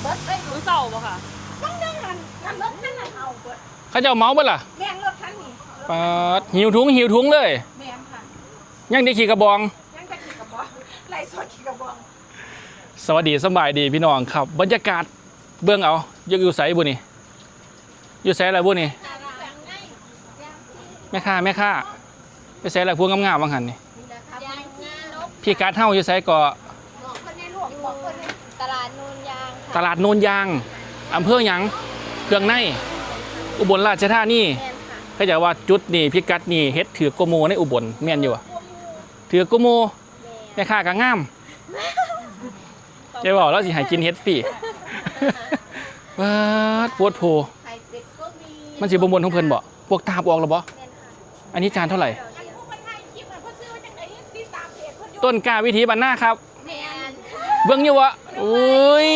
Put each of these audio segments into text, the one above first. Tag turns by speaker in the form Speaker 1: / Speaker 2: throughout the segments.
Speaker 1: เบิร์ดเลยรู้เศร้าป่ะค่ะต้องเดินหันรถคันไหนเอาเบิร์ด
Speaker 2: เขาจะเอาเมาส์บ่ล่ะ
Speaker 1: แม่งรถคันนี้
Speaker 2: หิวถุงเลย
Speaker 1: แม่งค่ะ
Speaker 2: ยังได้ขี่กระบอง
Speaker 1: ยังจะขี่กระบองไล่สดขี่กระบอง
Speaker 2: สวัสดีสบายดีพี่น้องครับบรรยากาศเบื้องเอาอยู่ไสบุนี่อยู่ไสอะไรบุนี่แม่ค้าไปไสอะไรพวกงามๆบางหันนี่พี่การเท่าอยู่ไสก่อ
Speaker 1: ตลาดโนนยาง
Speaker 2: ตลาดโนนยางอำเภอหยังเครื่องในอุบลราชธานีเขาจะว่าจุดนี่พิกัดนี่เฮ็ดถือโกโมในอุบลแม่นอยู่วะถือโกโมแม่ค้าก็งามจะบอกแล้วสิให้กินเฮ็ดฟรีว้าปวดโผมันสิบ่มวนของเพิ่นบ่พวกตาบออกแล้วบ่อันนี้จานเท่าไหร่ต้นกล้าวิถีบ้านนาครับเบิ่งอยู่วะโอ้ย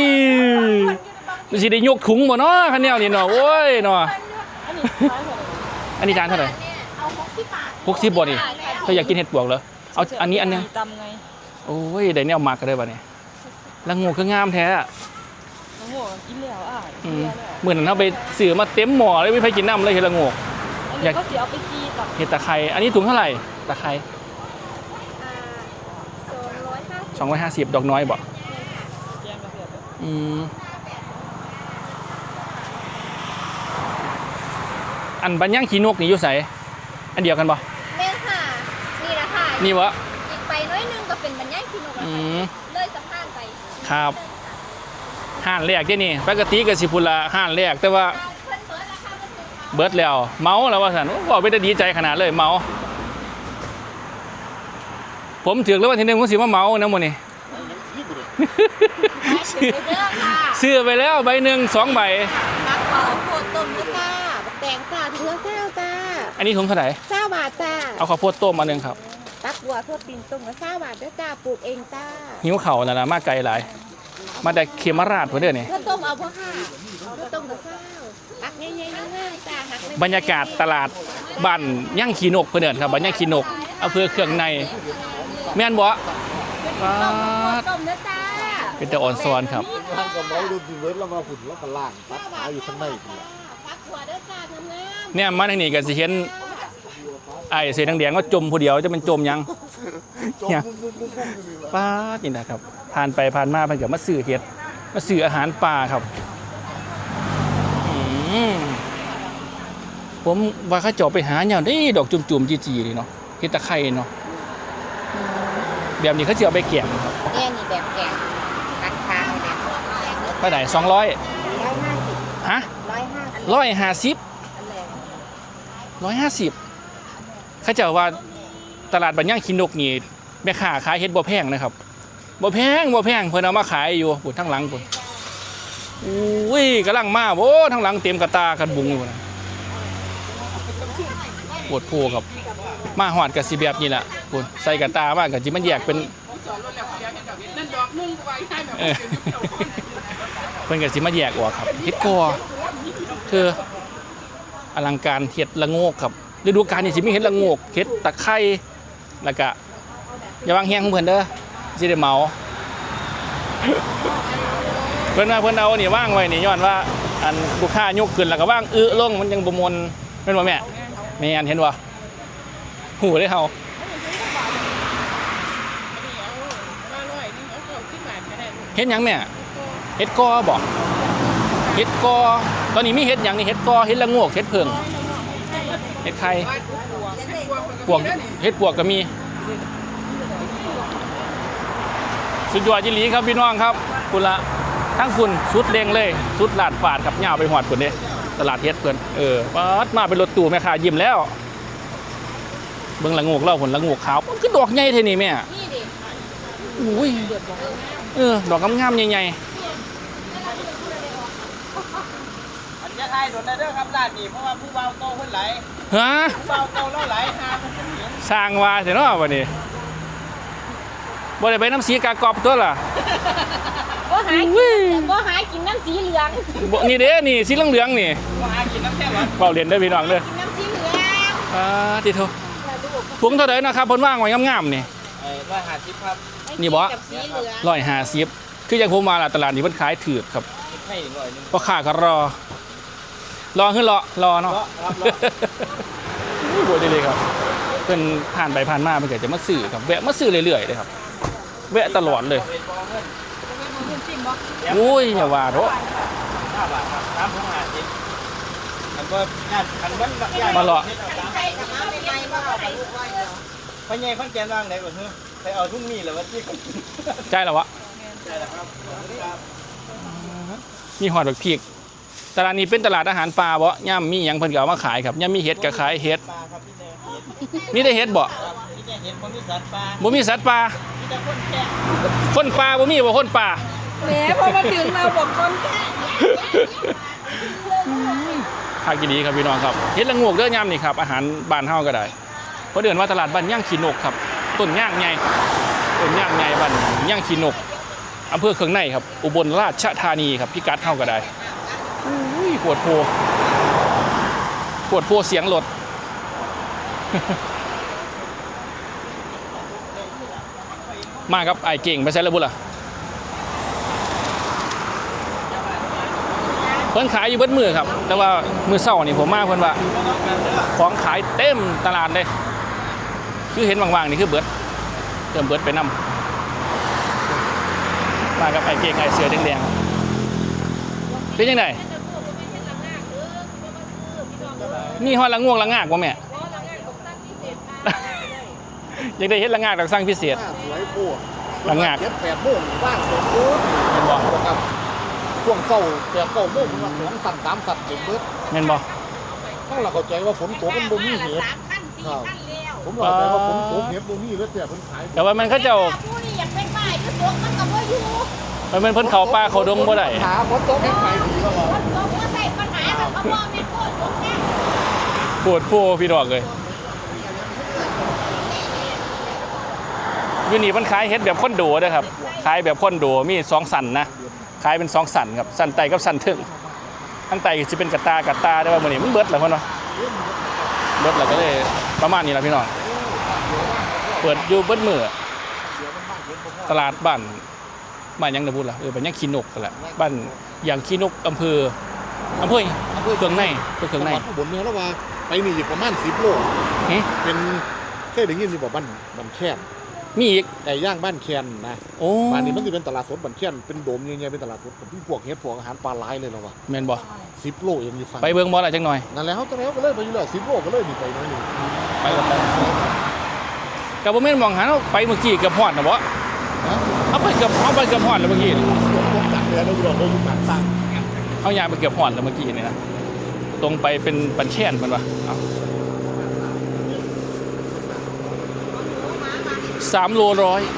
Speaker 2: สิได้ยกถุงบ่เนาะคันแนวนี่เนาะโอ้ยเนาะอันนี้จานเท่าไหร่
Speaker 1: เอา60 บาท
Speaker 2: 60บ่นี่เธออยากกินเห็ดปวกเหรอเอาอันนี้อันนึงโอ้ยได้แนวมักกันเลยบ่นี่ละงูคืองามแท้ละ
Speaker 1: งูกินแล้ว
Speaker 2: เหมือนเฮาไปซื้อมาเต็มหม้อเลยไม่ไปกินน้ำเลยเห็ดละงู
Speaker 1: อยากก็สิเอาไปจีกับ
Speaker 2: เห็ดตะไคร้อันนี้ถุงเท่าไหร่ตะไคร้250ดอกน้อยบ่อันบัญญังขี้นกนี่อยู่ไสอันเดียวกันบ่
Speaker 1: แม่ค่ะนี่ละค่ะ
Speaker 2: นี่วะ
Speaker 1: อีกไปน้อยนึงก็เป็นบัญญังขี้นกเลยสะพานไป
Speaker 2: ครับห้านแรกที่นี่ปกติก็สิพุ่นละห้านแรกแต่ว่าเบิดแล้วเมาแล้วว่าซั่นบ่ไปได้ดีใจขนาดเลยเมาผมถือแล้วว่าทีนึงผมสิมาเมานะมื้อนี้ซื้อไปแล้วใบหนึ่ง2 ใบ
Speaker 1: มักเผาโคตรต้มด้วยค่ะแตงจ้าถุงละ20จ้า
Speaker 2: อันนี้ถุงเท่าไหร่
Speaker 1: 20 บาทจ้า
Speaker 2: เอาข้าวโพดต้มมา1ครับ
Speaker 1: ตักบัวทอดตีนต้มละ20 บาทด้วยจ้าปลูกเองจ้า
Speaker 2: หิวเข่านั่นล่ะมาไกลหลายมาแต่เขมราชพุ่นเด้อนี่
Speaker 1: ข้าวต้มเอาบ่ค่ะข้าวต้มกับข้าวตักใหญ่ๆง่ายๆจ้าหัก
Speaker 2: บรรยากาศตลาดบ้านย่างขี้นกเพิ่นเอิ้นครับบ้านย่างขี้นกอำเภอเครื่องในแม่นบ่
Speaker 1: ต้มเนื้อจ้า
Speaker 2: เป็นแต่อ่อนซ้อนครับ
Speaker 3: ทางกับเมาดูสิเวิร์ดแล้วมาฝุ่นแล้วก็ล่างตัดขาอยู่ข้างใน
Speaker 1: พักหัวเด้อจ้างาม
Speaker 2: เนี่ยมาทางนี้ก็สิเห็นไอ้เสื้อแดงๆก็จมผู้เดียวจะเป็นจมยังป้านี่นะครับผ่านไปผ่านมาเพิ่นก็มาซื้อเห็ดมาซื้ออาหารป่าครับผมว่าเขาเจาะไปหาเนี่ยได้ดอกจุ่มๆจีๆนี่เนาะเห็ดตะไคร้เนาะแบบนี้เขาจะเอาไปแกงครับ
Speaker 1: เนี่ยนี่แบบแกงตัดขาเนี่ย
Speaker 2: ไปไหน200ฮะ150เขาจะว่าตลาดบ้านย่างขี้นกนี่แม่ค้าขายเห็ดบ่แพงนะครับบ่แพงเพิ่นเอามาขายอยู่พุ่นทั้งหลังพุ่นอุ้ยกำลังมาโอ้ทั้งหลังเต็มกระตากันบุงอยู่นะปวดโพครับมาหอดกับสิแบบนี้แหละพุ่นใส่กระตามากกับจิมันแยกเป็นเพิ่นกับสิมาแยกออกครับเห็ดกอคืออลังการเห็ดละโงกครับฤดูกาลนี่สิมีเห็ดละโงกเห็ดตะไคร้แล้วก็อย่าวางแห้งของเพิ่นเด้อสิได้เมาเพิ่นเอานี่ว่างไว้นี่ย้อนว่าอันลูกค้ายกขึ้นแล้วก็ว่างลงมันยังบ่มนแม่นบ่แม่เห็นบ่หูได้เฮาเห็ดหยังแม่เห็ดกอบ่เห็ดกอตอนนี้มีเห็ดหยังนี่เห็ดกอเห็ดละโงกเห็ดเพิ่งเห็ดไข่ปวกเห็ดปวกก็มีสุดยอดจิหลีครับพี่น้องครับคุณละทั้งคุณสุดเร่งเลยสุดลาดฝาดครับย่าไปหอดคุณเนี่ยตลาดเฮ็ดเพื่อนปัดมาเป็นรถตู้แม่ค้ายิ้มแล้วเบิ่งละโงกเล่าผลละโงกขาวมันคือดอกใหญ่เท่านี้แม่อุ้ยดอกงามๆใหญ่ๆ
Speaker 3: จะทายโดนได้เด้อครับร้านนี้เพราะว่าผู้เบาโตคนไหล
Speaker 2: ฮะ
Speaker 3: ผู้เบาโตแล้วไหลหาคนเป็นหญิง
Speaker 2: สร้างว่าเถอะเนาะวันนี้บ่ได้ไปน้ำสีกากอบตัวล่ะ
Speaker 1: บ่หากินน้ำสีเหลือง
Speaker 2: นี่เด้นี่สีเหลืองนี่
Speaker 3: บ่หากินน้ำแท้หรอ
Speaker 2: เปล่าเรียนได้พี่น้องเลย
Speaker 1: น้ำสีเหลือง
Speaker 2: ติโทถุงเท่าไหร่นะครับเพิ่นว่างไว้งามๆนี่
Speaker 3: 150ครับ
Speaker 2: นี่บ่150 คืออย่างผมมาล่ะตลาดนี้มันขายถือครับ
Speaker 3: ให้หน่อยนึง
Speaker 2: พ่อค้าก็รอขึ้นรอเนาะ
Speaker 3: ครับรอ
Speaker 2: โอ้ยเลยครับเพิ่นผ่านไปผ่านมาเพิ่นก็จะมาซื้อครับแวะมาซื้อเรื่อยๆเลยครับแวะตลอดเลยโอ้ยอย่าว่าเถอะ
Speaker 3: 5 บาทครับน้ำของ50อันก็ญาติอันวันญาติ
Speaker 2: มาเลาะ
Speaker 3: พ่อใหญ่คนแก่นว่างไหนก่อนเฮ้ยไปเอาทุ่งนี่แหละว่าที่
Speaker 2: ใช่แล้ววะ
Speaker 3: ใช่แล้วครับ
Speaker 2: มีหอดบักพริกตลาดนี้เป็นตลาดอาหารป่าบ่ย่ำมีหยังเพิ่นก็เอามาขายครับย่ำมีเห็ดก็ขายเห็ด
Speaker 3: ปลาครับพี่แน่เห็ด
Speaker 2: มีแต่เห็ดบ่
Speaker 3: ครับพี่แน่เห็ดบ่มีสัตว์ปลา
Speaker 2: บ่มีสัตว์ป่า
Speaker 3: พี่แต่คนแก่
Speaker 2: คนป่าบ่มีบ่คนป่า
Speaker 1: แหมพอมาถึงเราบอกคนแค่
Speaker 2: ขายกินดีครับพี่น้องครับเห็ดละโงกเด้อย่ำนี่ครับอาหารบ้านเฮาก็ได้เพราะเดือนว่าตลาดบ้านย่างขี้นกครับต้นย่างใหญ่ต้นย่างใหญ่บ้านย่างขี้นกอำเภอเคืองในครับอุบลราชธานีครับพิกัดเฮาก็ได้อุ้ยปวดโพเสียงรถ มาครับไอ้เก่งไปใช้ระบุล่ะเพิ่นขายอยู่เบิดมือครับแต่ว่ามือเศร้านี่ผมมาเพิ่นว่าของขายเต็มตลาดเลยคือเห็นว่างๆนี่คือเบิดเติมเบิดไปนำมากับไอ้เก่งไอ้เสือแดงๆเป็นยังไงมีฮอดละง่วงละงากบ่แม่ ยังได้เฮ็ดละงากดอกสร้างพิเศษ
Speaker 4: สวยปวด
Speaker 2: ละงาก
Speaker 4: เจ็ด8 โมงว่างสมบูรณ์
Speaker 2: แม่นบ่
Speaker 4: ครับช่วงเช้า8 9 โมงมัน2 สั่น3 สั่นเต็มเบิด
Speaker 2: แม่นบ่
Speaker 4: ถ้าเราเข้าใจว่าฝนตกมันบ่มีเห็ดครับผมเข้าใจว่าฝนตกเห็ดบ่มีแล้วแต่เพิ่นขาย
Speaker 2: แต่ว่ามันเขาเจ้า
Speaker 1: ผู้นี่อยากเป็นฝ่ายคือตกมันก็บ่อยู่
Speaker 2: มันเป็นเพิ่นเขาป่าเขาดงบ่ได้
Speaker 4: หาฝนตกให้ขายดีก็ว่า
Speaker 1: คนตกก็ใส่ปัญหากับเขาบอกแม่โคตรตกแน่
Speaker 2: ปวดโพพี่ดอกเลยอยู่นี่เพิ่นขายเฮ็ดแบบคอนโดเด้อครับขายแบบคอนโดมี2สันนะขายเป็น2สันครับสันไตกับสันถึงทั้งไตก็สิเป็นกระตาได้ว่ามื้อนี้มันเบิดแล้วเพิ่นว่าเบิดแล้วก็เลยประมาณนี้ล่ะพี่น้องเปิดอยู่เบิดมื้อตลาดบ้านหยังนะพูดล่ะบ้านหยังขี้นกนั่นแหละบ้านอย่างขี้นกอำเภอเครื่องในเครื่องใน
Speaker 4: จังหวัดอุบลเนี่ยแล้วว่าไปนี่อยู่ประมาณ10 โล
Speaker 2: หึ
Speaker 4: เป็นเคยได้ยินอยู่บ่บ้านแค้น
Speaker 2: มีอีก
Speaker 4: ไก่ย่างบ้านแค้นนะ
Speaker 2: โอ้
Speaker 4: บ้านนี้มันสิเป็นตลาดสดบ้านแค้นเป็นโดมใหญ่ๆเป็นตลาดสดผมพวกเฮ็ดพวกอาหารปลาหลายเลยแล้วว่า
Speaker 2: แม่นบ่
Speaker 4: 10 โลเองอยู่ฝั่ง
Speaker 2: ไปเบิ่งบ่ล่ะจังหน่อย
Speaker 4: นั่นแหละเฮาจังได๋ก็เลยไปอยู่แล้ว10 โลก็เลยนี่ไปหน่อยนึง
Speaker 2: ไปกับไปกับบ่แม่นมองหาเราไปเมื่อกี้เกือบฮอดน่ะบ่
Speaker 4: นะ
Speaker 2: เอาไปเกือบฮอดแล้วเมื่อกี้นี่
Speaker 4: ตกจากเรือเราอยู่เราอยู่ปากตั้ง
Speaker 2: เอายางไปเกือบฮอดแล้วเมื่อกี้นี่นะตรงไปเป็นปันแช่นมันวะเอา3 โลร้อย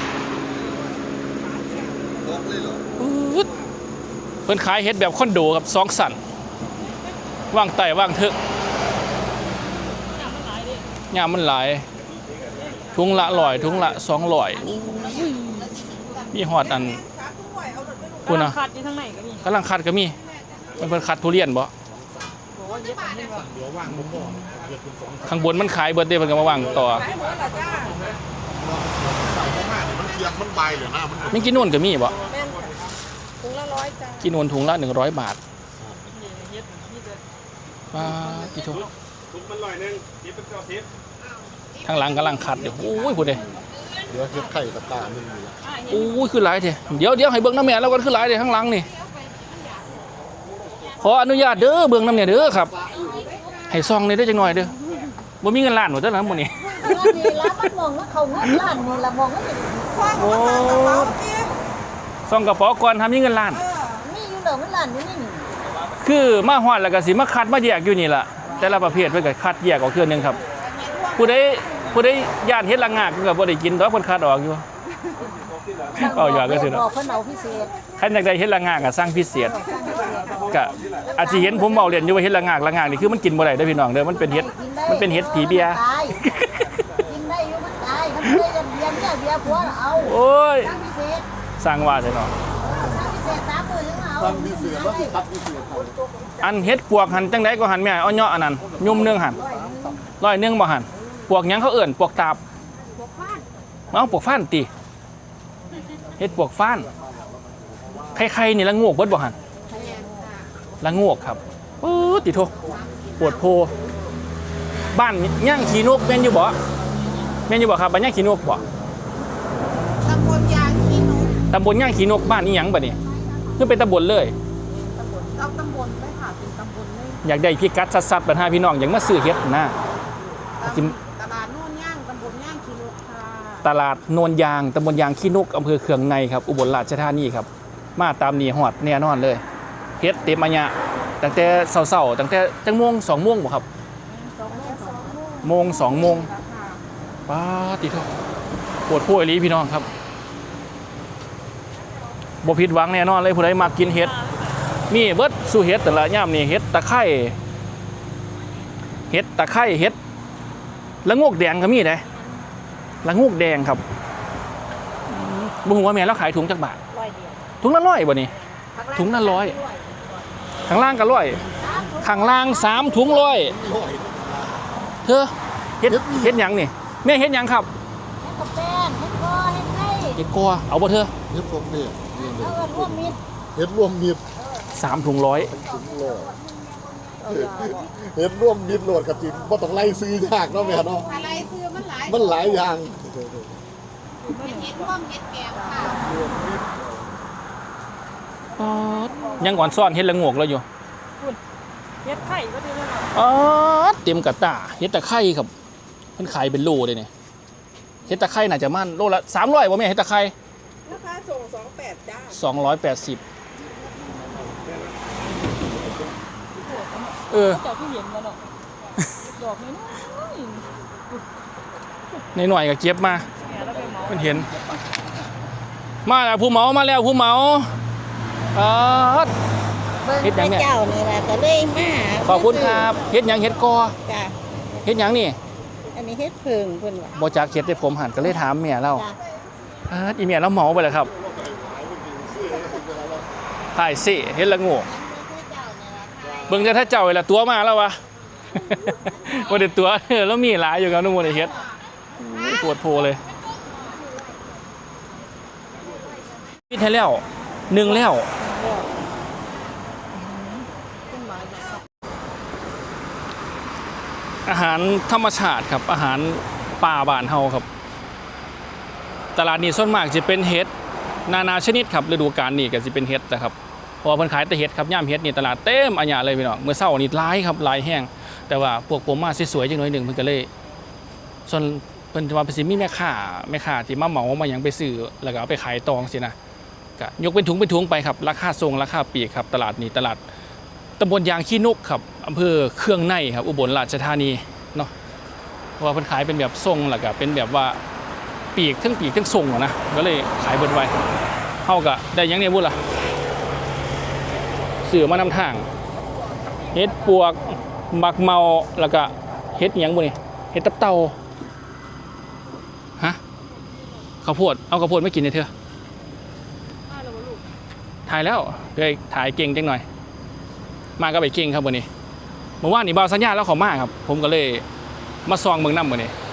Speaker 2: ปึ๊ดเพิ่นขายเฮ็ดแบบคอนโดครับ2 สันว่างไต่ว่างเถอะยามมันหลายถุงละ100ถุงละ200มีฮอดอันคุณนะ
Speaker 1: ขัดอยู่ทางไหนก็มี
Speaker 2: กำลังคัดก็มีมันเพิ่นคัดทุเรียนบ่
Speaker 4: เดี๋ยวว่างมุมบ่อเดือดเป็น2
Speaker 2: ข้างบนมันขายเบิดเด้เพิ่นก็มาวางต่อ
Speaker 4: สั่งเข้ามาเนี่ยมันเคียงมันใบเลยนะมัน
Speaker 2: มีกินนู่นก็มีบ่
Speaker 1: แม่นค่ะถุงละ100จ้า
Speaker 2: กินนู่นถุงละ100 บาทป้ากี่ถุง
Speaker 3: ทุกมัน100นึงเดี๋ยวเป็น90
Speaker 2: ทางหลังกำลังคัดอยู่โอ้ยพุ่นเด้
Speaker 4: เดี๋ยวเฮ็ดไข่ตะตาหนึงนี่ล่ะ
Speaker 2: โอ้ยคือหลายแท้เดี๋ยวให้เบิ่งน้ำแม่แล้วกันคือหลายเด้ข้างหลังนี่ขออนุญาตเด้อเบิ่งน้ำเนี่ยเด้อครับให้ซองนี่ได้จังหน่อยเด้อบ่มีเงินล้านบ่เด้อนะมื้อนี้
Speaker 1: นี่ละมันมองว่าเขาเงินล้านนี่ละมองว่าจะฟัง
Speaker 2: โอ้
Speaker 1: ว่าฟังกระเป๋าสิ
Speaker 2: ซองกระเป๋าก่อนทำมีเงินล้าน
Speaker 1: มีอยู่เหลือมันล้านอยู่นี่
Speaker 2: คือมาฮอดแล้วก็สิมาคัดมาแยกอยู่นี่ล่ะแต่ละประเภทเพิ่นก็คัดแยกออกเทื่อนึงครับผู้ใดย่านเฮ็ดละงากก็บ่ได้กินดอกเพิ่นคัดออกอยู่ เอาอย่าก็สิเนาะ
Speaker 1: บอกเพิ่นเอาพิเศษ
Speaker 2: คันอยากได้เฮ็ดละงากก็สั่งพิเศษก็อาจสิเห็นผมเว้าเล่นอยู่ว่าเฮ็ดละงากนี่คือมันกินบ่ได้เด้อพี่น้องเด้อมันเป็นเฮ็ดผีเบีย
Speaker 1: ตายกินได้อยู่มันตายมันได้เบียร์เนี่ยเบียร์ผัวเอา
Speaker 2: โอ้ย
Speaker 1: สั่งพิเศษ
Speaker 2: สร้างว่าซะเนาะ
Speaker 1: สั่งพิเศษ3 มื้อถึงเอา
Speaker 4: ตั้งพิเศษว่าสิตัดพิเศษเขา
Speaker 2: อันเฮ็ดปวกหันจังไดก็หันแม่เอาเนาะอันนั้นยุ่มนึงหัน100บ่หันปวกหยังเขาเอิ้นปวกตาบ
Speaker 1: พวกฟ้าน
Speaker 2: เอาปวกฟ้านติเฮ็ดปวกฟ้าน
Speaker 1: พ
Speaker 2: ใครๆนี่ละงวกเบิดบ่หัน
Speaker 1: แม่ค่ะ
Speaker 2: ละงวกครับปื๊ดติโทปวดโพบ้านย่างขี้นกแม่นอยู่บ่แม่นอยู่บ่ครับบ้านย่างขี้นกบ่
Speaker 1: ตำบลยางขี้นก
Speaker 2: ตำบลย่างขี้นกบ้านอีหยังบัดนี้คือเป็นตำบลเลย
Speaker 1: เอาตำบลไหมค่ะเป็นตำบลเลย
Speaker 2: อยากได้พิกัดสัดๆปัญหาพี่น้องอยากมาซื้อเฮ็ดนะ
Speaker 1: ตลาดโน่นย่างตำบลย่างขี้นกค่ะ
Speaker 2: ตลาดโนนยางตำบลยางขี้นกอำเภอเคืองในครับอุบลราชธานีครับมาตามนี้ฮอดแน่นอนเลยเฮ็ดเต็มอัญญะตั้งแต่เช้าๆตั้งแต่จังโมง2โมงบ่ครับโมง2โมงป้าติโทปวดโพอีหลีพี่น้องครับบ่ผิดหวังแน่นอนเลยผู้ใดมากินเฮ็ดนี่เบิดสู่เฮ็ดแต่ละย่ามนี่เฮ็ดตะไคร้เฮ็ดตะไคร้เฮ็ดละงกแดงก็มีเด้ละงกแดงครับบ่ฮู้ว่าแม่เราขายถุงจักบาท
Speaker 1: ร้อยเดียว
Speaker 2: ถุงละ100บ่นี่ถุงละ100ข้างล่างก็100ข้างล่าง3ถุง100เธอเฮ็ดหยังนี่แม่เฮ็ดหยังครับ
Speaker 1: ให้กับแป้งให้ก้อให้ไข่
Speaker 2: เฮ็ดกัวเอาบ่เธอ
Speaker 4: เฮ็ดพวกนี้
Speaker 1: เอาเงินร่วมมิตร
Speaker 4: เฮ็ดรวมมิตร
Speaker 2: 3ถุง100
Speaker 4: ถุงโลเฮ็ดรวมมิตรโหลดกับจิบ่ต้องไล่ซื้อยากเนาะแม่เนาะ
Speaker 1: อะไรซื้อมันหลาย
Speaker 4: มันหลายอย่าง
Speaker 1: เห็ดร่วมเห็ดแกงค่ะ
Speaker 2: ยังก่อนซ่อนเฮ็ดละงกแล้วอยู่
Speaker 1: เห็ดไข่ก็ดีเลยค่ะ
Speaker 2: อ๋อเต็มกระตาเฮ็ดตะไคร้ครับมันขายเป็นโลเลยเนี่ยเฮ็ดตะไคร้น่าจะมั่นโลละ300บ่แม่เฮ็ดตะไคร้
Speaker 1: ราคาส่ง28จ้า
Speaker 2: 280เออ
Speaker 1: เจ้าที่เห็นแล้วเนาะดอกน้อย
Speaker 2: ในหน่อยก็เก็บมา
Speaker 1: ๆเนี่ยแล้วไปเหมา
Speaker 2: มันเห็นมาแล้วผู้เหมามาแล้วผู้เหมาอ๋อ เฮ็ดหยังเนี่ย
Speaker 1: เจ้านี่ล่ะก็เลยมา
Speaker 2: ขอบคุณครับเฮ็ดหยังเฮ็ดกอ
Speaker 1: จ้ะ
Speaker 2: เฮ็ดหยังนี่
Speaker 1: อันนี้เฮ็ดเพิงเพิ่นว่า
Speaker 2: บ่จักเฮ็ดได้ผมหันก็เลยถามเมียเรา
Speaker 1: จ้ะ
Speaker 2: อีเมียเราเหมาไปเลยครับถ่ายสิเฮ็ดละโง่เบิ่งจะถ้าเจ้าเวลาตัวมาแล้ววะ บ่ได้ตัวแล้วมีหลายอยู่ครับนุ่มบ่ได้เฮ็ดปวดโพเลยปิดให้แล้ว1แล้วอาหารธรรมชาติครับอาหารป่าบ้านเฮาครับตลาดนี้ส่วนมากจะเป็นเห็ดนานาชนิดครับฤดูกาลนี้ก็จะเป็นเห็ดนะครับเพราะว่าเพิ่นขายแต่เห็ดครับย่ามเห็ดนี่ตลาดเต็มอัญญะเลยพี่น้องเมื่อเช้านี่หลายครับหลายแห้งแต่ว่าพวกผมมาสวยๆจังหน่อยหนึงเพิ่นก็เลยส่วนเพิ่นว่าเป็นสิมีแม่ค้าที่มาเหมามาหยังไปซื้อแล้วก็เอาไปขายตองสินะก็ยกเป็นถุงไปครับราคาส่งราคาปลีกครับตลาดนี้ตลาดตำบลยางขี้นกครับอำเภอเครื่องในครับอุบลราชธานีเนาะเพราะว่าเพิ่นขายเป็นแบบส่งแล้วก็เป็นแบบว่าปีกทั้งส่งอะนะก็เลยขายเบิดไว้เฮาก็ได้หยังเนี่ยบุญล่ะซื้อมานำทางเฮ็ดปวกหมักเมาแล้วก็เฮ็ดหยังบ่นี่เฮ็ดตับเต่าฮะข้าวโพดเอาข้าวโพดไม่กินเลยเถอะถ่ายแล้วเลยถ่ายเก่งจังหน่อยมาก็ไปเก่งครับวันนี้เมื่อวานนี่บ่าวสัญญาแล้วเขามาครับผมก็เลยมาซองเมืองน้ำมื้อนี้